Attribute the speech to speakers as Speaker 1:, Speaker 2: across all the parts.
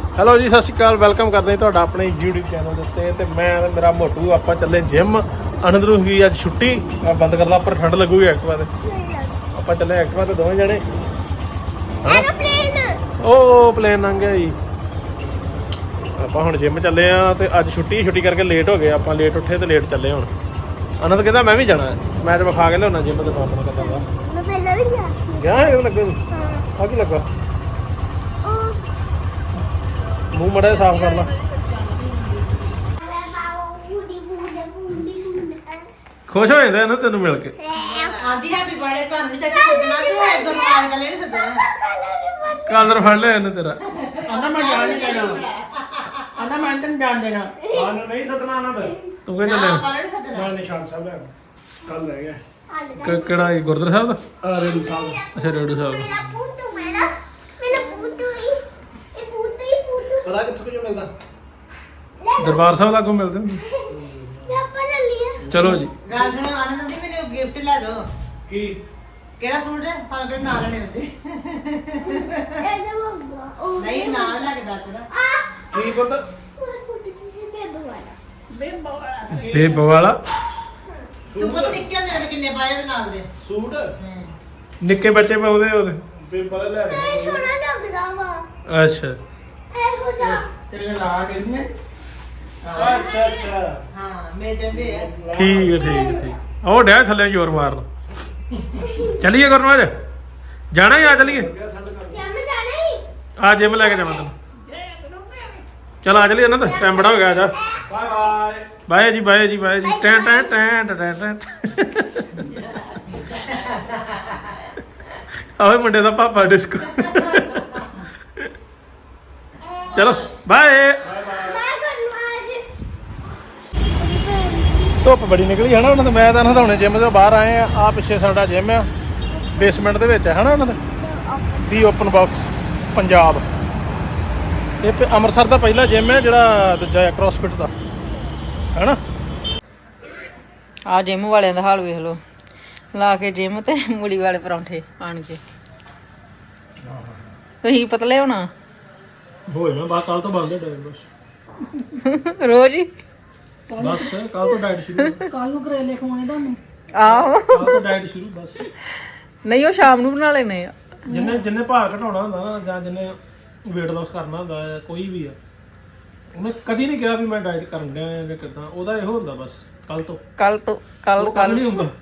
Speaker 1: Hello ਜੀ, ਸਤਿ ਸ਼੍ਰੀ ਅਕਾਲ। Welcome ਕਰਦੇ ਹਾਂ ਤੁਹਾਡਾ ਆਪਣੇ YouTube ਚੈਨਲ ਦੇ ਉੱਤੇ। ਤੇ ਮੈਂ ਤੇ ਮੇਰਾ ਮੋਟੂ ਆਪਾਂ ਚੱਲੇ ਜਿਮ। ਆਨੰਦ ਨੂੰ ਵੀ ਅੱਜ ਛੁੱਟੀ ਬੰਦ ਕਰਦਾ, ਉੱਪਰ ਠੰਡ ਲੱਗੂਗੀ ਐਕਟਿਵਾ ਤੇ। ਆਪਾਂ ਚੱਲੇ ਐਕਟਿਵਾ ਤੇ ਦੋਵੇਂ ਜਣੇ। ਉਹ ਪਲੇਨ ਲੰਘ ਗਿਆ ਜੀ। ਆਪਾਂ ਹੁਣ ਜਿਮ ਚੱਲੇ ਆ ਤੇ ਅੱਜ ਛੁੱਟੀ ਕਰਕੇ ਲੇਟ ਹੋ ਗਏ। ਆਪਾਂ ਲੇਟ ਉੱਠੇ ਤੇ ਲੇਟ ਚੱਲੇ। ਹੁਣ ਆਨੰਦ ਕਹਿੰਦਾ ਮੈਂ ਵੀ ਜਾਣਾ, ਮੈਚ ਵਿਖਾ ਕੇ ਲਿਆਉਣਾ ਜਿਮ ਤੇ। ਆਪਣਾ ਕਿੱਦਾਂ ਦਾ ਗਿਆ ਇਹ ਲੱਗੇ ਆ ਕੀ ਲੱਗਾ ਮੂੰਹ ਮੜਾ ਸਾਫ਼ ਕਰ ਲਾ। ਖੁਸ਼ ਹੋ ਜਾਂਦਾ ਨਾ ਤੈਨੂੰ ਮਿਲ ਕੇ।
Speaker 2: ਆਂਦੀ ਹੈਪੀ ਬਰਥਡੇ ਤੁਹਾਨੂੰ ਨਹੀਂ ਚਾਚੀ ਸੱਦਣਾ ਤੇ ਗੁਰਮਾਨ ਕੱਲੇ ਨਹੀਂ ਸੱਦਣਾ।
Speaker 1: ਕਾਲਰ ਫੜ ਲਿਆ ਇਹਨੇ ਤੇਰਾ।
Speaker 2: ਆਂਦਾ ਮੈਂ ਜਾਣ ਨਹੀਂ ਦੇਣਾ। ਆਂਦਾ ਮੈਂ ਤੈਨੂੰ ਜਾਣ ਦੇਣਾ।
Speaker 3: ਆਨੂੰ ਨਹੀਂ ਸੱਦਣਾ ਆਨੰਦ।
Speaker 1: ਤੂੰ ਕਹਿੰਦਾ ਲੈ
Speaker 2: ਕੱਲੇ ਨਹੀਂ ਸੱਦਣਾ।
Speaker 3: ਮੈਂ ਨਿਸ਼ਾਨ ਸਾਹਿਬ ਲੈ ਕੱਲ ਲੈ ਗਿਆ।
Speaker 1: ਕਿਹੜਾ ਇਹ ਗੁਰਦੁਆਰਾ ਸਾਹਿਬ ਦਾ?
Speaker 3: ਆ ਰੇਡੂ ਸਾਹਿਬ।
Speaker 1: ਅੱਛਾ ਰੇਡੂ ਸਾਹਿਬ ਦਾ।
Speaker 3: ਪਤਾ ਕਿੱਥੋਂ ਕਿਉਂ ਮਿਲਦਾ?
Speaker 1: ਦਰਬਾਰ ਸਾਹਿਬ ਲਾਗੋਂ ਮਿਲਦੇ ਹੁੰਦੇ। ਚਲੋ ਜੀ।
Speaker 2: ਗੱਲ ਸੁਣੋ ਆਨੰਦ ਦੀ ਮੈਨੂੰ ਗਿਫਟ ਲੈ ਦਿਓ।
Speaker 3: ਕੀ
Speaker 2: ਕਿਹੜਾ ਸੂਟ ਹੈ? ਸਾਨੂੰ ਕਿਹੜਾ ਨਾਲ ਲੈਣੇ ਹੁੰਦੇ। ਨਹੀਂ ਨਾਲ ਲੈ ਕੇ ਦੱਸ ਨਾ।
Speaker 3: ਕੀ ਪਤਾ?
Speaker 1: ਬੇਬ ਵਾਲਾ
Speaker 2: ਤੂੰ ਪਤਾ ਨਿੱਕੇ ਹੁੰਦੇ ਨੇ ਕਿੰਨੇ ਪਾਏ ਉਹਦੇ ਨਾਲ ਦੇ
Speaker 3: ਸੂਟ
Speaker 1: ਨਿੱਕੇ ਬੱਚੇ ਪਾ ਉਹਦੇ
Speaker 3: ਪੇਪਰ ਲੈ ਰਹੇ।
Speaker 1: ਅੱਛਾ
Speaker 3: ਤੇਰੇ ਲਾ ਕੇ ਨੇ। ਅੱਛਾ ਅੱਛਾ।
Speaker 2: ਹਾਂ ਮਿਲ ਜਾਂਦੇ ਆ।
Speaker 1: ਠੀਕ ਹੈ। ਉਹ ਡਿਆ ਥੱਲੇ ਜ਼ੋਰ ਮਾਰਨ। ਚੱਲੀਏ ਗੁਰਨਵਾਜ, ਜਾਣਾ ਹੀ ਆ ਚੱਲੀਏ। ਆ ਜਿਮ ਲੈ ਕੇ ਜਾਣਾ ਤੈਨੂੰ। ਚਲ ਆ ਚੱਲੀਏ ਨਾ, ਤਾਂ ਟਾਈਮ ਬੜਾ ਹੋ ਗਿਆ। ਜਾ
Speaker 3: ਬਾਏ
Speaker 1: ਬਾਏ ਜੀ ਟੈਂ ਟੈਂ ਟੈਂ ਟੈਂ ਟੈਂ। ਆਵੇ ਮੁੰਡੇ ਦਾ ਪਾਪਾ ਡਿਸਕੋ। ਚਲੋ ਬਾਏ। ਧੁੱਪ ਬੜੀ ਨਿਕਲੀ ਹੈ ਨਾ ਉਹਨਾਂ ਦੇ। ਮੈਂ ਤਾਂ ਨਹਾਉਣੇ ਜਿਮ ਤੋਂ ਬਾਹਰ ਆਏ ਆ ਪਿੱਛੇ ਸਾਡਾ ਜਿਮ ਆ, ਬੇਸਮੈਂਟ ਦੇ ਵਿੱਚ ਹੈ ਨਾ ਉਹਨਾਂ ਦੇ ਦੀ ਓਪਨ ਬਾਕਸ ਪੰਜਾਬ। ਇਹ ਅੰਮ੍ਰਿਤਸਰ ਦਾ ਪਹਿਲਾ ਜਿਮ ਹੈ ਜਿਹੜਾ ਦੂਜਾ ਕ੍ਰੋਸਫਿਟ ਦਾ ਹੈ ਨਾ।
Speaker 4: ਆ ਜਿਮ ਵਾਲਿਆਂ ਦਾ ਹਾਲ ਵੇਖ ਲਓ, ਲਾ ਕੇ ਜਿਮ ਤੇ ਮੂਲੀ ਵਾਲੇ ਪਰੌਂਠੇ ਆਣ ਕੇ। ਤੁਸੀਂ ਪਤਲੇ ਹੋਣਾ
Speaker 1: ਹੋਏ ਮੈਂ ਬਾਅਦ ਕੱਲ ਤੋਂ ਬੰਦ ਹੈ ਡਾਈਟ ਬਸ।
Speaker 4: ਰੋਜ਼ ਹੀ
Speaker 1: ਬਸ ਕੱਲ ਤੋਂ ਡਾਈਟ ਸ਼ੁਰੂ।
Speaker 2: ਕੱਲ ਨੂੰ ਕਰੇਲੇ ਖਵਾਉਣੇ ਤੁਹਾਨੂੰ।
Speaker 4: ਆਹੋ
Speaker 1: ਕੱਲ ਤੋਂ ਡਾਈਟ ਸ਼ੁਰੂ ਬਸ।
Speaker 4: ਨਹੀਂ ਉਹ ਸ਼ਾਮ ਨੂੰ ਬਣਾ ਲੈਣੇ ਆ।
Speaker 1: ਜਿੰਨੇ ਭਾਰ ਘਟਾਉਣਾ ਹੁੰਦਾ ਨਾ, ਜਾਂ ਜਿੰਨੇ ਵੇਟ ਲਾਸ ਕਰਨਾ ਹੁੰਦਾ ਹੈ, ਕੋਈ ਵੀ ਆ, ਉਹਨੇ ਕਦੀ ਨਹੀਂ ਕਿਹਾ ਵੀ ਮੈਂ ਡਾਈਟ ਕਰਨ ਡਿਆ ਜਾਂ ਕਿੱਦਾਂ। ਉਹਦਾ ਇਹੋ ਹੁੰਦਾ ਬਸ ਕੱਲ ਤੋਂ ਕੱਲ ਨਹੀਂ ਹੁੰਦਾ।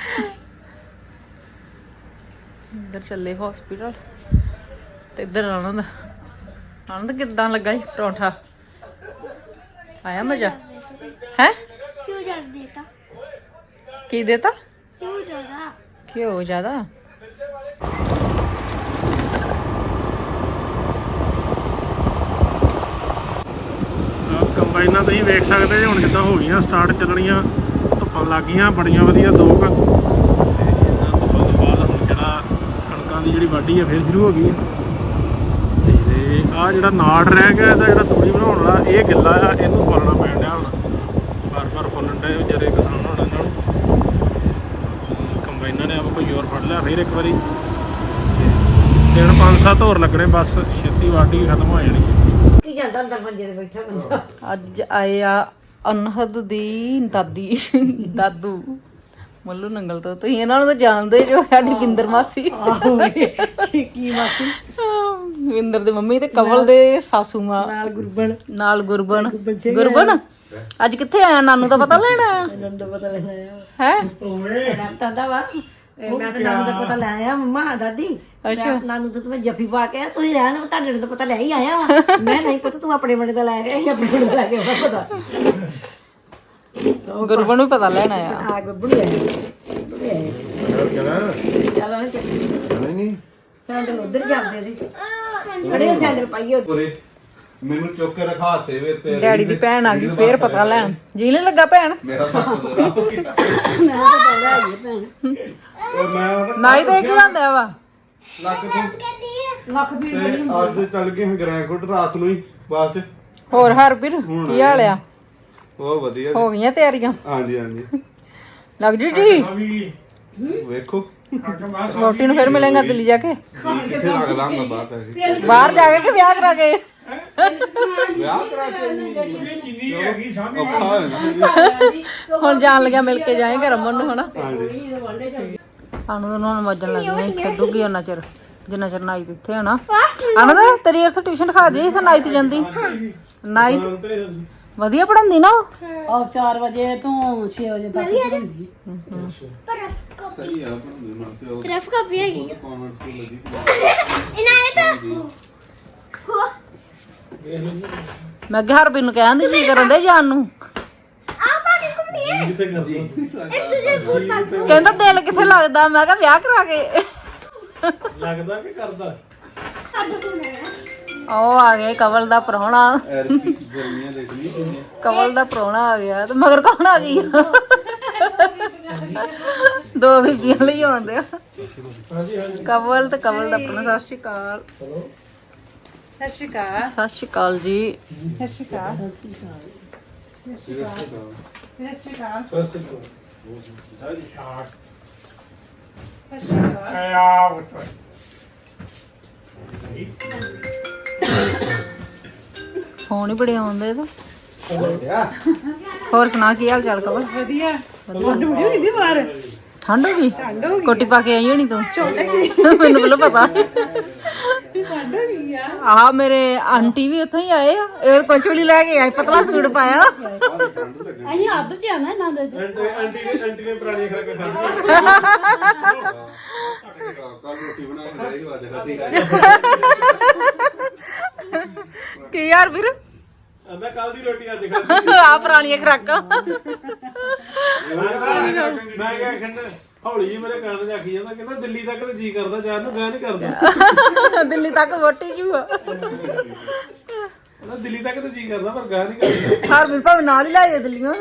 Speaker 4: ਇੱਧਰ ਚੱਲੇ ਹਸਪੀਟਲ ਤੇ ਇੱਧਰ ਆਨੰਦ ਕਿੱਦਾਂ ਲੱਗਾ ਸੀ ਪਰੌਂਠਾ? ਆਇਆ ਮਜ਼ਾ ਹੈ? ਕੀ ਦੇਤਾ? ਘਿਓ ਜ਼ਿਆਦਾ।
Speaker 1: ਕੰਬਾਈਨਾਂ ਤੁਸੀਂ ਵੇਖ ਸਕਦੇ ਜੇ ਹੁਣ ਕਿੱਦਾਂ ਹੋ ਗਈਆਂ ਸਟਾਰਟ ਚੱਲਣੀਆਂ। ਧੁੱਪਾਂ ਲੱਗ ਗਈਆਂ ਬੜੀਆਂ ਵਧੀਆ 2 ਕੁ। ਤੇ ਇਹਨਾਂ ਧੁੱਪਾਂ ਤੋਂ ਬਾਅਦ ਹੁਣ ਜਿਹੜਾ ਕਣਕਾਂ ਦੀ ਜਿਹੜੀ ਵਾਢੀ ਆ ਫਿਰ ਸ਼ੁਰੂ ਹੋ ਗਈ ਹੈ। ਤੇ ਆਹ ਜਿਹੜਾ ਨਾੜ ਰਹਿ ਗਿਆ ਇਹਦਾ, ਜਿਹੜਾ ਤੂੜੀ ਬਣਾਉਣ ਵਾਲਾ, ਇਹ ਗਿੱਲਾ ਆ, ਇਹਨੂੰ ਫੁੱਲਣਾ ਪੈਣ ਡਿਆ ਹੁਣ। ਬਾਰ ਫੁੱਲਣ ਡਿਆ ਵਿਚਾਰੇ ਕਿਸਾਨ ਹੋਣਾ ਇਹਨਾਂ ਨੂੰ। ਕੰਬਾਈਨਾਂ ਨੇ ਆਪ ਕੋਈ ਜ਼ੋਰ ਫੜ ਲਿਆ ਫਿਰ ਇੱਕ ਵਾਰੀ। ਦਿਨ 5-7 ਹੋਰ ਲੱਗਣੇ ਬਸ, ਛੇਤੀ ਵਾਢੀ ਖਤਮ ਹੋ ਜਾਣੀ।
Speaker 2: ਕੀ ਜਾਂਦਾ ਅੰਦਰ ਮੰਜੇ ਤੇ ਬੈਠਾ ਬੰਦਾ।
Speaker 4: ਅੱਜ ਆਏ ਆ ਅਨਹਦ ਦੀ ਦਾਦੂ ਮੱਲੂ ਨੰਗਲ ਤੋਂ। ਤੁਸੀਂ ਇਹਨਾਂ ਨੂੰ ਤਾਂ ਜਾਣਦੇ ਜੋ, ਸਾਡੀ ਵਿੰਦਰ ਮਾਸੀ।
Speaker 2: ਕੀ ਮਾਸੀ?
Speaker 4: ਵਿੰਦਰ ਦੇ ਮੰਮੀ ਤੇ ਕਵਲ ਦੇ ਸਾਸੂ ਮਾਂ ਨਾਲ ਗੁਰਬਨ। ਅੱਜ ਕਿੱਥੇ ਆਇਆ? ਨਾਨੂ ਦਾ ਪਤਾ ਲੈਣ ਆਇਆ ਹੈ?
Speaker 2: ਮੈਂ ਤਾਂ ਨਾਨੂ ਦਾ ਪਤਾ ਲੈ ਆਇਆ ਮੰਮਾ ਦਾਦੀ। ਨਾਨੂ ਤਾਂ ਮੈਂ ਜੱਫੀ ਪਾ ਕੇ ਤੁਸੀਂ ਰਹਿਣ ਤੁਹਾਡੇ ਦਾ ਪਤਾ ਲੈ ਹੀ ਆਇਆ ਵਾ। ਮੈਂ ਨਹੀਂ ਪਤਾ ਤੂੰ ਆਪਣੇ ਬੜੇ ਦਾ ਲੈ ਕੇ ਆਪਣੇ ਬੜੇ ਦਾ ਲੈ ਕੇ ਆਉਣਾ ਪਤਾ।
Speaker 4: ਗੁਰਬਨ ਨੂੰ ਪਤਾ ਲੈਣ ਆਇਆ।
Speaker 2: ਆ ਗੱਬੜੂ ਚਲੋ
Speaker 5: ਨਹੀਂ
Speaker 2: ਸੈਂਡਲ ਉਧਰ ਜਾਂਦੇ ਸੀ। ਖੜੇ ਸੈਂਡਲ ਪਾਈਏ।
Speaker 5: ਮੈਨੂੰ ਚੁੱਕ ਕੇ ਰਖਾਤੇ ਵੇ ਤੇ
Speaker 4: ਡੈਡੀ ਦੀ ਭੈਣ ਆ ਗਈ ਫੇਰ ਪਤਾ ਲੈਣ। ਜੀ ਨਹੀਂ ਲੱਗਾ ਭੈਣ?
Speaker 5: ਮੇਰਾ ਸੱਚ ਦਾ ਰੱਬ ਕੀਤਾ।
Speaker 2: ਮੈਂ ਤਾਂ ਪਹਿਲਾਂ ਆਈ ਭੈਣ।
Speaker 5: ਉਹ ਮੈਂ
Speaker 4: ਨਾਈ ਤੇ ਕੀ ਹੁੰਦਾ ਵਾ?
Speaker 5: ਲੱਗ ਤੋਂ
Speaker 2: ਲੱਖ ਵੀ
Speaker 5: ਤੇ ਅੱਜ ਚੱਲ ਗਏ ਹਾਂ ਗ੍ਰੈਂਕੁੱਟ ਰਾਤ ਨੂੰ ਹੀ ਬਾਅਦ ਚ।
Speaker 4: ਹੋਰ ਹਰਬੀਰ ਕੀ ਹਾਲ ਆ?
Speaker 5: ਬਹੁਤ ਵਧੀਆ
Speaker 4: ਹੋ ਗਈਆਂ ਤਿਆਰੀਆਂ?
Speaker 5: ਹਾਂਜੀ
Speaker 4: ਲੱਗ ਜੀ
Speaker 5: ਵੇਖੋ
Speaker 4: ਰੋਟੀ ਨੂੰ ਫਿਰ ਮਿਲਾਂਗਾ ਦਿੱਲੀ ਜਾ ਕੇ।
Speaker 5: ਕਿੱਥੇ ਲੱਗ ਲਾਂਗਾ ਬਾਤ ਹੈ
Speaker 4: ਬਾਹਰ ਜਾ ਕੇ ਕਿ ਵਿਆਹ ਕਰਾ ਕੇ?
Speaker 5: ਵਿਆਹ ਕਰਾ ਕੇ
Speaker 1: ਜਿੰਨੀ ਹੈਗੀ ਸਾਹਮਣੇ
Speaker 5: ਔਖਾ ਹੋਇਆ ਨਾ
Speaker 4: ਹੁਣ ਜਾਣ ਲੱਗਿਆ ਮਿਲ ਕੇ ਜਾਏਗਾ ਰਮਨ ਨੂੰ ਹਨਾ।
Speaker 5: ਹਾਂਜੀ
Speaker 4: ਸਾਨੂੰ ਉਹਨਾਂ ਨੂੰ ਵੱਜਣ ਲੱਗੀਆਂ ਖੇਡੂਗੀ ਉਹਨਾਂ ਚਿਰ ਜਿੰਨਾ ਚਿਰ ਨਾਈ ਇੱਥੇ ਹੋਣਾ। ਆਨੰਦ ਤੇਰੀ ਇਸ ਟਿਊਸ਼ਨ ਖਾ ਜੀ ਇੱਥੇ ਨਾਈ ਤੇ ਜਾਂਦੀ ਨਾਈ ਵਧੀਆ ਪੜਾਉਂਦੀ ਨਾ ਉਹ
Speaker 6: 4 ਵਜੇ ਤੋਂ 6 ਵਜੇ ਤੱਕ ਹੁੰਦੀ
Speaker 5: ਸਹੀ ਆ ਬਣਾਉਂਦੇ ਮਨ ਤੇ ਉਹ
Speaker 7: ਰਫ ਕਾਪੀ ਹੈਗੀ
Speaker 5: ਕਾਨਵੈਂਟ ਸਕੂਲ ਲੱਗੀ
Speaker 7: ਇਨਾਇਤ
Speaker 4: ਮੈਂ ਕਿਹਾ ਹਰਬੀਨ ਨੂੰ ਕਹਿੰਦੀ ਕੀ ਕਰਨ ਦੇ ਜਾਣ ਨੂੰ
Speaker 7: ਆ ਬਾਜੀ ਘੁੰਮੀ ਹੈ
Speaker 3: ਕਿੱਥੇ ਕਰਦੀ
Speaker 7: ਇਹ ਤੁਝੇ ਬੂਟ ਪਾ ਕੇ
Speaker 4: ਕਹਿੰਦਾ ਦਿਲ ਕਿੱਥੇ ਲੱਗਦਾ ਮੈਂ ਕਿਹਾ ਵਿਆਹ ਕਰਾ ਕੇ
Speaker 3: ਲੱਗਦਾ ਕਿ ਕਰਦਾ
Speaker 7: ਹੱਥ ਧੋਣਾ ਹੈ
Speaker 4: ਉਹ ਆ ਗਏ ਕਵਲ ਦਾ ਪ੍ਰਾਹੁਣਾ
Speaker 5: ਐਰਪੀ ਗਰਮੀਆਂ ਦੇਖਣੀ ਕਿੰਨੇ
Speaker 4: ਕਵਲ ਦਾ ਪ੍ਰਾਹੁਣਾ ਆ ਗਿਆ ਤੇ ਮਗਰ ਕੌਣ ਆ ਗਈ ਦੋ ਬੀਬੀਆਂ ਲਈ ਆਉਂਦੇ ਆ ਕਵਲ ਤੇ ਕਵਲ ਦਾ ਪ੍ਰਾਹੁਣਾ। ਸਤਿ ਸ਼੍ਰੀ ਅਕਾਲ
Speaker 6: ਸਤਿ ਸ਼੍ਰੀ ਅਕਾਲ
Speaker 4: ਸਤਿ ਸ਼੍ਰੀ ਅਕਾਲ ਜੀ।
Speaker 6: ਸਤਿ ਸ਼੍ਰੀ ਅਕਾਲ ਸਤਿ ਸ਼੍ਰੀ ਅਕਾਲ
Speaker 3: ਸਸਤ
Speaker 1: ਆ ਉੱਤੋਂ
Speaker 4: ਫੋਨ ਹੀ ਬੜੇ ਆਉਂਦੇ ਤੇ ਹੋਰ ਸੁਣਾ ਕੀ ਹਾਲ ਚਾਲ ਕਵਲ?
Speaker 6: ਵਧੀਆ ਠੰਡ ਬੜੀ ਹੋਈ ਦੀ ਬਾਹਰ
Speaker 4: ਠੰਡ ਹੋ ਗਈ ਕੋਟੀ ਪਾ ਕੇ ਆਈ ਹੋਣੀ ਤੂੰ ਮੈਨੂੰ ਪਹਿਲਾਂ ਪਤਾ
Speaker 6: ਠੰਡ ਹੋ ਗਈ ਆ
Speaker 4: ਆ ਮੇਰੇ ਆਂਟੀ ਵੀ ਉੱਥੋਂ ਹੀ ਆਏ ਆ ਇਹ ਕੁਛ ਵੀ ਨੀ ਲੈ ਕੇ ਆਏ ਪਤਲਾ ਸੂਟ ਪਾਇਆ
Speaker 6: ਅਸੀਂ ਹੱਦ ਚ ਆਣਾ ਇਹਨਾਂ ਦੇ
Speaker 3: ਆਂਟੀ ਨੇ ਪੁਰਾਣੀ ਖਰਾਕਾਂ ਖਾਧੀ
Speaker 5: ਕੱਲ ਰੋਟੀ ਬਣਾ ਕੇ ਜਾਏਗੀ ਅੱਜ ਖਾਦੀ
Speaker 4: ਕੀ ਯਾਰ ਵੀਰ
Speaker 3: ਆਂਦਾ ਕੱਲ ਦੀ ਰੋਟੀ ਅੱਜ ਖਾਧੀ
Speaker 4: ਆ ਪੁਰਾਣੀਆਂ ਖਰਾਕਾਂ
Speaker 3: ਮੈਂ ਕਿਹਾ ਖੰਡ ਹੌਲੀ ਜੀ ਮੇਰੇ ਕੰਨ 'ਚ ਆਖੀ ਜਾਂਦਾ ਕਹਿੰਦਾ ਦਿੱਲੀ ਤੱਕ ਤੇ ਜੀ ਕਰਦਾ ਜਾਣ ਨੂੰ ਗਿਆ ਨਹੀਂ ਕਰਦਾ
Speaker 4: ਦਿੱਲੀ ਤੱਕ ਵੋਟੀ ਜੂਆ
Speaker 3: ਕਹਿੰਦਾ ਦਿੱਲੀ ਤੱਕ ਤੇ ਜੀ ਕਰਦਾ ਪਰ ਗਾ ਨਹੀਂ ਕਰਦਾ
Speaker 4: ਹਰ ਵੀਰ ਭਾਵੇਂ ਨਾਲ ਹੀ ਲੈ ਜਾ ਦਿੱਲੀੋਂ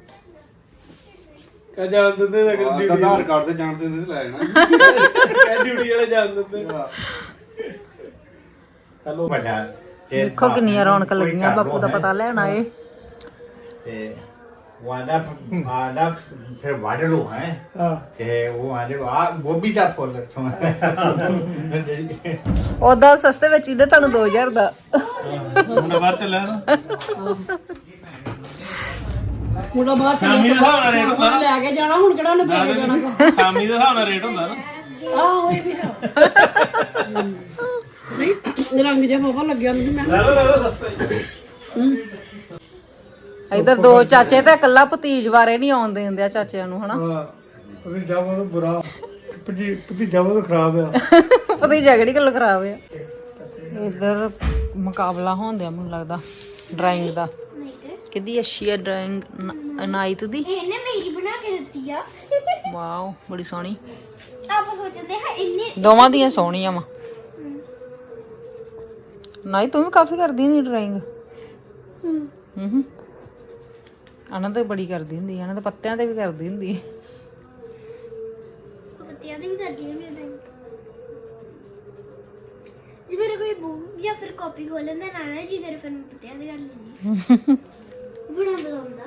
Speaker 3: ਕਹ ਜਾਣ ਦਿੰਦੇ ਤਾਂ ਡਿਊਟੀ
Speaker 5: ਆਧਾਰ ਕਾਰਡ ਤੇ ਜਾਣ ਦਿੰਦੇ ਤੇ ਲੈ ਜਾਣਾ
Speaker 3: ਕਹਿ ਡਿਊਟੀ ਵਾਲੇ ਜਾਣ ਦਿੰਦੇ
Speaker 8: ਹੈਲੋ ਵੱਡਾ
Speaker 4: ਦੇਖੋ ਕਿੰਨੀਆਂ ਰੌਣਕ ਲੱਗੀਆਂ ਬਾਪੂ ਦਾ ਪਤਾ ਲੈਣ ਆਏ
Speaker 8: ਤੇ ਉਹ ਆਂਦਾ ਫਿਰ ਵੱਢ ਲੋ ਹੈ ਤੇ ਉਹ ਆਂਦੇ ਆ ਗੋਭੀ ਦਾ ਫੁੱਲ
Speaker 4: ਉਹਦਾ ਸਸਤੇ ਵਿੱਚ ਇਹਦੇ ਤੁਹਾਨੂੰ 2000 ਦਾ
Speaker 3: ਹੁਣ ਬਾਹਰ ਚੱਲਿਆ ਨਾ
Speaker 6: ਮੁੰਡਾ ਬਾਹਰ
Speaker 3: ਸ਼ਾਮੀ ਦੇ ਹਿਸਾਬ ਨਾਲ ਰੇਟ ਹੁੰਦਾ ਨਾ
Speaker 6: ਲੈ ਕੇ ਜਾਣਾ ਹੁਣ ਕਿਹੜਾ ਉਹਨੇ ਦੇ ਕੇ ਜਾਣਾ
Speaker 3: ਸ਼ਾਮੀ ਦੇ ਹਿਸਾਬ ਨਾਲ ਰੇਟ ਹੁੰਦਾ ਨਾ
Speaker 6: ਆਹੋ ਇਹ ਵੀ ਹੈ ਨਹੀਂ ਰੰਗ ਜਿਹਾ ਬਾਬਾ ਲੱਗਿਆ ਮੈਨੂੰ ਮੈਂ
Speaker 3: ਲੈ ਲਓ ਸਸਤਾ
Speaker 4: ਇਧਰ ਦੋ ਚਾਚੇ ਤੇ ਇਕੱਲਾ ਭਤੀਜ ਬਾਰੇ ਨਹੀਂ ਆਉਣ ਦਿੰਦੇ ਆ ਚਾਚਿਆਂ ਨੂੰ ਹਨਾ
Speaker 3: ਤੁਸੀਂ ਜਾਵੋ ਤਾਂ ਬੁਰਾ ਭਤੀਜਾ ਉਹ ਖਰਾਬ ਆ
Speaker 4: ਭਤੀਜਾ ਕਿਹੜੀ ਗੱਲ ਖਰਾਬ ਆ ਇਧਰ ਮੁਕਾਬਲਾ ਹੋਣਦਿਆ ਮੈਨੂੰ ਲੱਗਦਾ ਡਰਾਇੰਗ ਦਾ ਕਿੱਦੀ ਅੱਛੀ ਆ ਡਰਾਇੰਗ ਅਨਾਇਤ ਦੀ
Speaker 7: ਇਹਨੇ ਮੇਰੀ ਬਣਾ ਕੇ ਦਿੱਤੀ ਆ
Speaker 4: ਵਾਓ ਬੜੀ ਸੋਹਣੀ
Speaker 7: ਆਪਾਂ ਸੋਚਦੇ ਹਾਂ ਇੰਨੇ
Speaker 4: ਦੋਵਾਂ ਦੀਆਂ ਸੋਹਣੀਆਂ ਵਾ ਨਹੀਂ ਤੂੰ ਵੀ ਕਾਫੀ ਕਰਦੀ ਨਹੀਂ ਡਰਾਇੰਗ ਹੂੰ ਆਨੰਦ ਤਾਂ ਬੜੀ ਕਰਦੀ ਹੁੰਦੀ ਆਨੰਦ ਤਾਂ ਪੱਤਿਆਂ ਤੇ ਵੀ ਕਰਦੀ ਹੁੰਦੀ
Speaker 7: ਬੱਤੀਆਂ ਦੀ ਵੀ ਕਰਦੀ ਹਾਂ ਮੈਂ ਜੇ ਮੇਰੇ ਕੋਈ ਬੁੱਕ ਜਾਂ ਫਿਰ ਕਾਪੀ ਖੋਲਣ ਦਾ ਨਾ ਜੀ ਫਿਰ ਮੈਂ ਪੱਤਿਆਂ ਦੀ ਕਰ ਲੈਂਦੀ ਬੜਾ ਬਦਲਦਾ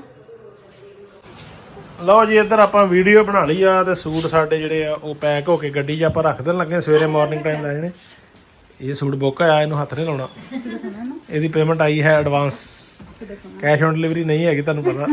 Speaker 1: ਲਓ ਜੀ ਇੱਧਰ ਆਪਾਂ ਵੀਡੀਓ ਬਣਾ ਲਈ ਆ ਤੇ ਸੂਟ ਸਾਡੇ ਜਿਹੜੇ ਆ ਉਹ ਪੈਕ ਹੋ ਕੇ ਗੱਡੀ 'ਚ ਆਪਾਂ ਰੱਖ ਦੇਣ ਲੱਗੇ ਸਵੇਰੇ ਮਾਰਨਿੰਗ ਟਾਈਮ ਲੈ ਜਾਣੇ ਇਹ ਸੂਟ ਬੁੱਕ ਆਇਆ ਇਹਨੂੰ ਹੱਥ ਨਹੀਂ ਲਾਉਣਾ ਇਹਦੀ ਪੇਮੈਂਟ ਆਈ ਹੈ ਐਡਵਾਂਸ ਕੈਸ਼ ਔਨ ਡਿਲੀਵਰੀ ਨਹੀਂ ਹੈਗੀ ਤੁਹਾਨੂੰ ਪਤਾ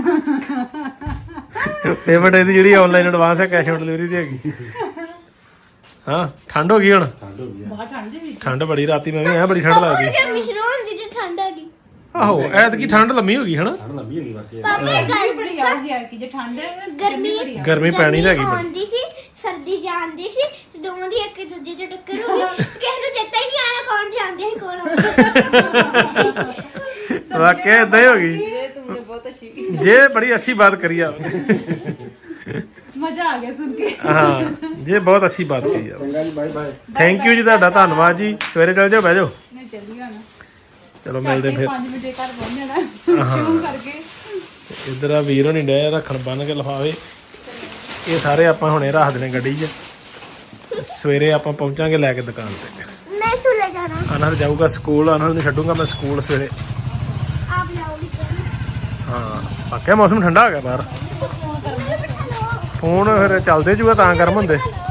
Speaker 1: ਪੇਮੈਂਟ ਇਹਦੀ ਜਿਹੜੀ ਆਨਲਾਈਨ ਐਡਵਾਂਸ ਹੈ ਕੈਸ਼ ਔਨ ਡਿਲੀਵਰੀ ਦੀ ਹੈਗੀ ਹਾਂ ਠੰਡ ਹੋ ਗਈ ਹੁਣ ਠੰਡ ਬੜੀ ਰਾਤੀ ਮੈਂ ਵੀ ਆਇਆ ਬੜੀ ਠੰਡ ਲੱਗਦੀ
Speaker 7: ਫਿਰ ਮਿਸ਼ਰੋਂ ਦੀ ਠੰਡ ਆ ਗਈ
Speaker 1: ਆਹੋ ਐਤਕੀ ਠੰਡ ਲੰਮੀ ਹੋ ਗਈ ਹਨਾ
Speaker 7: ਪਾਪਾ ਗੱਲ
Speaker 6: ਬੜੀ ਆ ਗਈ ਕਿ ਜੇ ਠੰਡ
Speaker 1: ਗਰਮੀ ਪੈਣੀ ਤਾਂ ਹੈਗੀ ਬੜੀ
Speaker 7: ਆਉਂਦੀ ਸੀ ਸਰਦੀ ਜਾਂਦੀ ਸੀ ਤੇ ਦੋਵਾਂ ਦੀ ਇੱਕ ਦੂਜੇ ਚ ਟੱਕਰ ਹੋ ਗਈ ਕਿਸੇ ਨੂੰ ਚੇਤਾ ਹੀ ਨਹੀਂ ਆਇਆ ਕੌਣ ਜਾਂਦੇ ਸੀ ਕੌਣ
Speaker 1: ਵਾਕਿਆ ਏਦਾਂ ਹੀ ਹੋ ਗਈ
Speaker 6: ਤੂੰ ਬਹੁਤ ਅੱਛੀ
Speaker 1: ਜੇ ਬੜੀ ਅੱਛੀ ਬਾਤ ਕਰੀ ਆ
Speaker 6: ਮਜ਼ਾ ਆ ਗਿਆ ਸੁਣ ਕੇ
Speaker 1: ਹਾਂ ਜੇ ਬਹੁਤ ਅੱਛੀ ਬਾਤ ਕਰੀ ਆ
Speaker 3: ਚੰਗਾ ਜੀ ਬਾਏ ਬਾਏ
Speaker 1: ਥੈਂਕ ਯੂ ਜੀ ਤੁਹਾਡਾ ਧੰਨਵਾਦ ਜੀ ਸਵੇਰੇ ਚੱਲ ਜਾਓ ਬਹਿ ਜਾਓ
Speaker 6: ਨਹੀਂ ਚੱਲੀ ਹੁਣ
Speaker 1: ਚਲੋ ਮਿਲਦੇ ਫਿਰ
Speaker 6: 5 ਮਿੰਟ ਘਰ ਪਹੁੰਚ ਜਾਣਾ ਸ਼ੁਰੂ ਕਰਕੇ
Speaker 1: ਇੱਧਰ ਆ ਵੀਰ ਹੋਣੀ ਡੇ ਰੱਖਣ ਬੰਨ ਕੇ ਲਿਫਾਵੇ ਇਹ ਸਾਰੇ ਆਪਾਂ ਹੁਣੇ ਰੱਖ ਦੇਣੇ ਗੱਡੀ 'ਚ ਸਵੇਰੇ ਆਪਾਂ ਪਹੁੰਚਾਂਗੇ ਲੈ ਕੇ ਦੁਕਾਨ ਤੇ
Speaker 7: ਮੈਂ ਸੁਲੇ ਜਾਣਾ
Speaker 1: ਆਨੰਦ ਜਾਊਗਾ ਸਕੂਲ ਆਨੰਦ ਨੂੰ ਛੱਡੂਗਾ ਮੈਂ ਸਕੂਲ ਸਵੇਰੇ
Speaker 7: ਆਪ ਲਾਓਗੇ
Speaker 1: ਹਾਂ ਵਾਕਿਆ ਮੌਸਮ ਠੰਡਾ ਹੋ ਗਿਆ ਬਾਹਰ ਫੋਨ ਫਿਰ ਚੱਲਦੇ ਜੂਗਾ ਤਾਂ ਗਰਮ ਹੁੰਦੇ